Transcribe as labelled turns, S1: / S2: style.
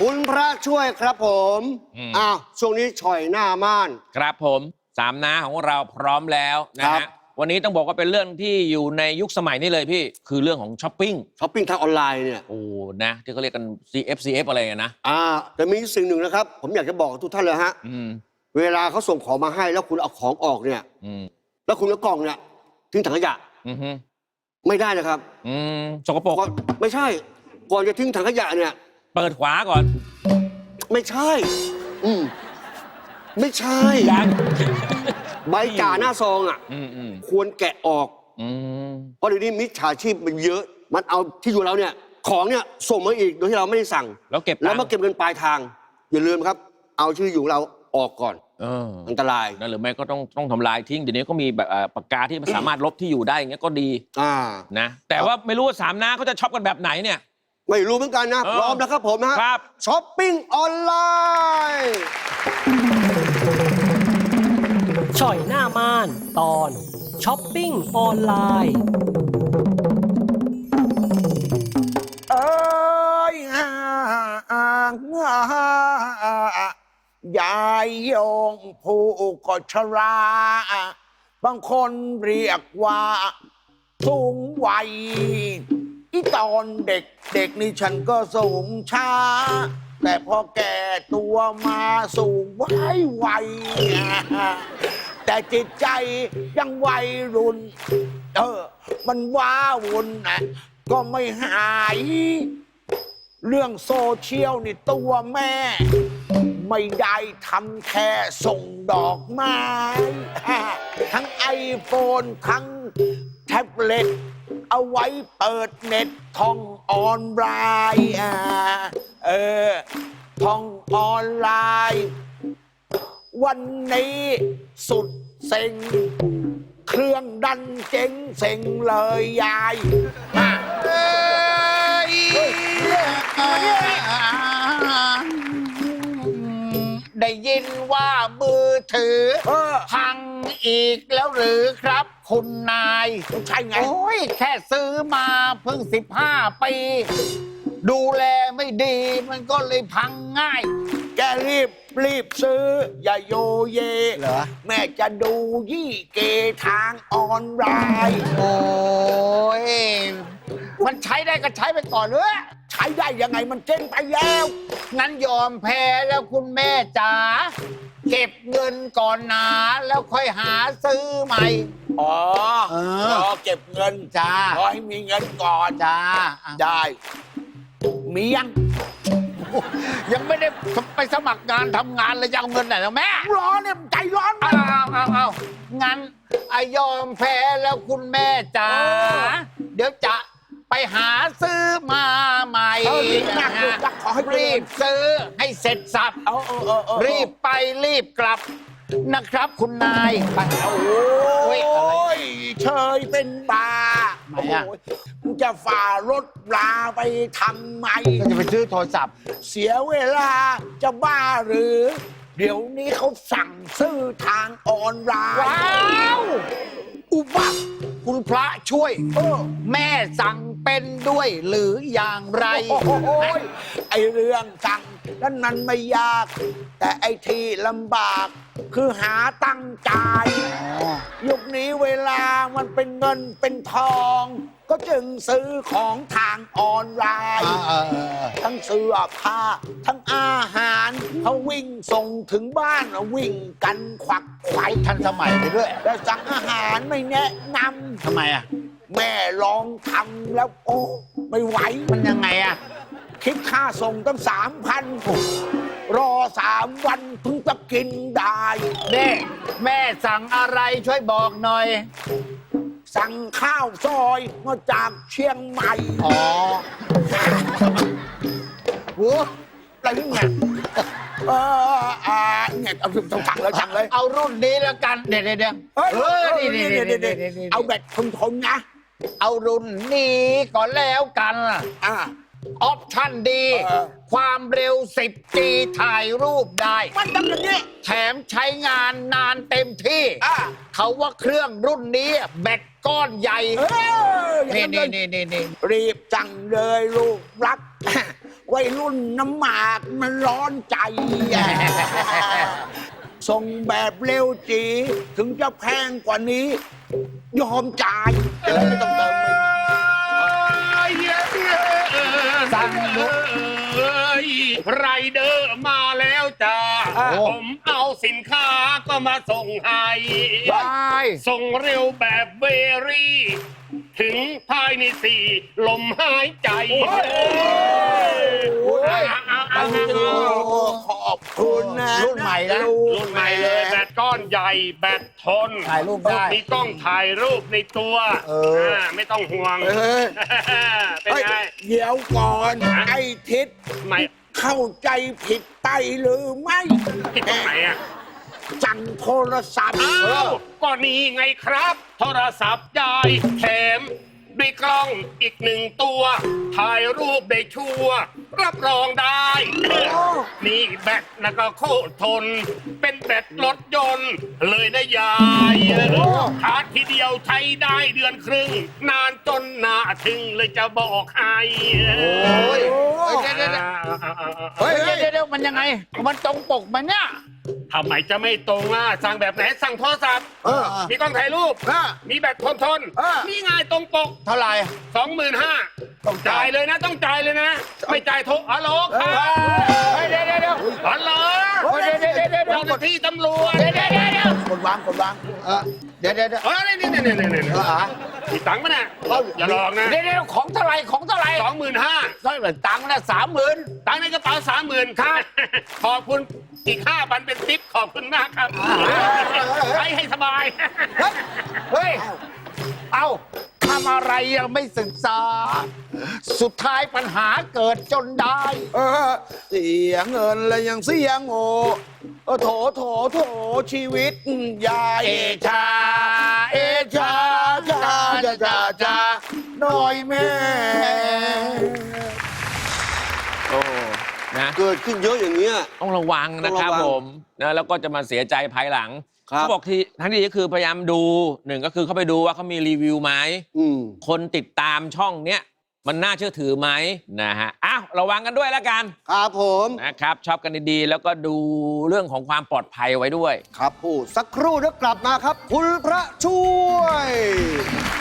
S1: คุณพระช่วยครับผมช่วงนี้ฉ่อยหน้าม่าน
S2: ครับผมสามน้าของเราพร้อมแล้วนะฮะวันนี้ต้องบอกว่าเป็นเรื่องที่อยู่ในยุคสมัยนี้เลยพี่คือเรื่องของช้อปปิ้ง
S1: ทางออนไลน์เนี่ย
S2: โอ้นะที่เขาเรียกกัน CF อะไรนะ
S1: แต่มีสิ่งหนึ่งนะครับผมอยากจะบอกทุกท่านเลยฮะเวลาเขาส่งของมาให้แล้วคุณเอาของออกเนี่ยแล้วคุณเอากล่องเนี่ยทิ้งถังขยะไม่ได้นะครับ
S2: สกปรก
S1: ไม่ใช่ก่อนจะทิ้งถังขยะเนี่ย
S2: เปิดขวาก่อน
S1: ไม่ใช่ไม่ใช่ใบจ่าหน้าซองควรแกะออกเพราะเดี๋ยวนี้มิจฉาชีพมันเยอะมันเอาที่อยู่เราเนี่ยของเนี่ยส่งมาอีกโดยที่เราไม่ได้สั่งแล้วมาเก็บเงินปลายทางอย่าลืมครับเอาชื่ออยู่เราออกก่อนอันตราย
S2: นะหรือไม่ก็ต้องทำลายทิ้งเดี๋ยวนี้ก็มีแบบปากกาที่มันสามารถลบที่อยู่ได้อย่างเงี้ยก็ดีนะแต่ว่าไม่รู้ว่าสามน้าเขาจะช็อปกันแบบไหนเนี่ย
S1: ไม่รู้เหมือนกันนะพร้อมแล้วครับผมนะครับช้อปปิ้งออนไลน์
S3: ฉ่อยหน้าม่านตอนช้อปปิ้งออนไลน์
S4: ยายโยงผู้ก็ชราบางคนเรียกว่าสูงวัยอีตอนเด็กนี่ฉันก็สูงช้าแต่พอแก่ตัวมาสูงไวแต่จิตใจยังวัยรุ่นมันว้าวุ่นนะก็ไม่หายเรื่องโซเชียลนี่ตัวแม่ไม่ได้ทำแค่ส่งดอกไม้ทั้งไอโฟนทั้งแท็บเล็ตเอาไว้เปิดเน็ตท่องออนไลน์ท่องออนไลน์วันนี้สุดเซ็งเครื่องดันเจ๋งเซ็งเลยยายได้ยินว่ามือถือพังอีกแล้วหรือครับคุณนายใช่ไงโอ้ยแค่ซื้อมาเพิ่ง15 ปีดูแลไม่ดีมันก็เลยพังง่ายแกรีบซื้ออย่าโยเยเหรอแม่จะดูยี่เกทางออนไลน์โอ้ยมันใช้ได้ก็ใช้ไปก่อนเลยใช้ได้ยังไงมันเจ๊งไปแล้วงั้นยอมแพ้แล้วคุณแม่จ๋าเก็บเงินก่อนนะแล้วค่อยหาซื้อใหม่รอเก็บเงินจ้ารอให้มีเงินก่อนจ้าได้มียังไม่ได้ไปสมัครงานทำงานเลยจะเอาเงินไหนแล้วแม่ร้อนเนี่ยใจร้อนเอางั้นยอมแพ้แล้วคุณแม่จ๋าเดี๋ยวจะไปหาซื้อมาใหม่รีบซื้อให้เสร็จสับรีบไปรีบกลับนะครับคุณนายโอ้ยเชยเป็นบามึงจะฝ่ารถราไปทำไมจะไปซื้อโทรศัพท์เสียเวลาจะบ้าหรือเดี๋ยวนี้เขาสั่งซื้อทางออนไลน์ว้าวอุบัติคุณพระช่วยแม่สั่งเป็นด้วยหรืออย่างไรไอเรื่องสั่งนั้นไม่ยากแต่ไอที่ลำบากคือหาตั้งใจยุคนี้เวลามันเป็นเงินเป็นทองก็จึงซื้อของทางออนไลน์ทั้งเสื้อผ้าทั้งอาหารเขาวิ่งส่งถึงบ้านวิ่งกันขวักไขว่ทันสมัยไปด้วยแต่สั่งอาหารไม่แนะนำทำไมแม่ลองทำแล้วโอ้ไม่ไหวมันยังไงคิดค่าส่งตั้ง3,000รอ3 วันถึงจะกินได้แม่สั่งอะไรช่วยบอกหน่อยสั่งข้าวซอยมาจากเชียงใหม่โอ้อะไรเนี่ยเนี่ยต้องสั่งเลยเอารุ่นนี้แล้วกันเดี๋ยวนี่เอาแบบทนนะเอารุ่นนี้ก่อนแล้วกันออปชั่นดีความเร็ว10 G ถ่ายรูปได้มันทำอย่างนี้แถมใช้งานนานเต็มที่เขาว่าเครื่องรุ่นนี้แบตก้อนใหญ่นี่รีบจังเลยลูกรัก
S5: วัยรุ่นน้ำหมากมันร้อนใจ ส่งแบบเร็วจีถึงจะแพงกว่านี้ ยอมจ่ายไม่ต้องเติมเลย
S4: สั่งไรเดอร์มาแล้วจ้าผมเอาสินค้าก็มาส่งให้ส่งเร็วแบบเวรี่ ถึงภายใน4 ลมหายใจ
S5: ขอบคุณนะรุ่นใหม่นะ
S4: รุ่นใหม่เลยแบตก้อนใหญ่แบตทน
S5: ถ่ายรูปได้
S4: มีกล้องถ่ายรูปในตัวไม่ต้องห่วงเป็นไง
S5: เดี๋ยวก่อนไอ้ทิศ
S4: ไม่
S5: เข้าใจผิดไปหรือไม่
S4: ผิดตรงไหนอ่ะ
S5: สั่งโทรศัพท์
S4: อ้าวก็นี่ไงครับ โทรศัพท์ยายแถมด้วยกล้องอีก1 ตัว ถ่ายรูปได้ชัวร์รับรองได้ นี่แบตนะก็โคตรทน เป็นแบตรถยนต์เลยนะยายชาร์จทีเดียวใช้ได้เดือนครึ่ง นานจนหน้าถึงเลยจะบอกให้
S5: เดี๋ยวมันยังไง มันตรงปกมันเนี่ย
S4: ทำไมจะไม่ตรงอ่ะสั่งแบบไหนสั่งโทรศัพท์มีกล้องถ่ายรูปมีแบตทนนี่ไงตรงปก
S5: เท่าไหร่
S4: 25,000ต้องจ่ายเลยนะต้องจ่ายเลยนะ ไม่จ่ายโทรฮัลโหลครับ
S5: เดี๋ยว
S4: ฮัลโหลเจ้าหน้าที่ตำรวจ
S5: กดวางเดี๋ยว
S4: เฮ้ยนี่มีตังค์มั้ยน่ะอย่าหลอกนะ
S5: เดี๋ยวของเท่าไหร่
S4: 25,000
S5: เท่าไหร่ตังค์นะ30,000
S4: ตังค์ในกระเป๋า30,000ครับขอบคุณอีก5,000เป็นทิปขอบคุณมากครับใช้ให้สบาย
S5: เฮ้ย เอาทำอะไรยังไม่ศึกษา สุดท้ายปัญหาเกิดจนได้ เสียเงินแล้วยังเสียโง่โถชีวิตยายชาน้อยแม่
S2: โอ้นะ
S1: เกิดขึ้นเยอะอย่างเงี้ย
S2: ต้องระวังนะครับ
S1: ต้องระวัง
S2: ผมนะแล้วก็จะมาเสียใจภายหลัง
S1: ครับ
S2: เขาบอกที่ทั้งที่ก็คือพยายามดู1ก็คือเข้าไปดูว่าเขามีรีวิวไหม คนติดตามช่องเนี้ยมันน่าเชื่อถือไหมนะฮะอ้าวระวังกันด้วยแล้วกัน
S1: ครับผม
S2: นะครับชอบกันดีๆ แล้วก็ดูเรื่องของความปลอดภัยไว้ด้วย
S1: ครับผู้สักครู่เดี๋ยวกลับมาครับ คุณพระช่วย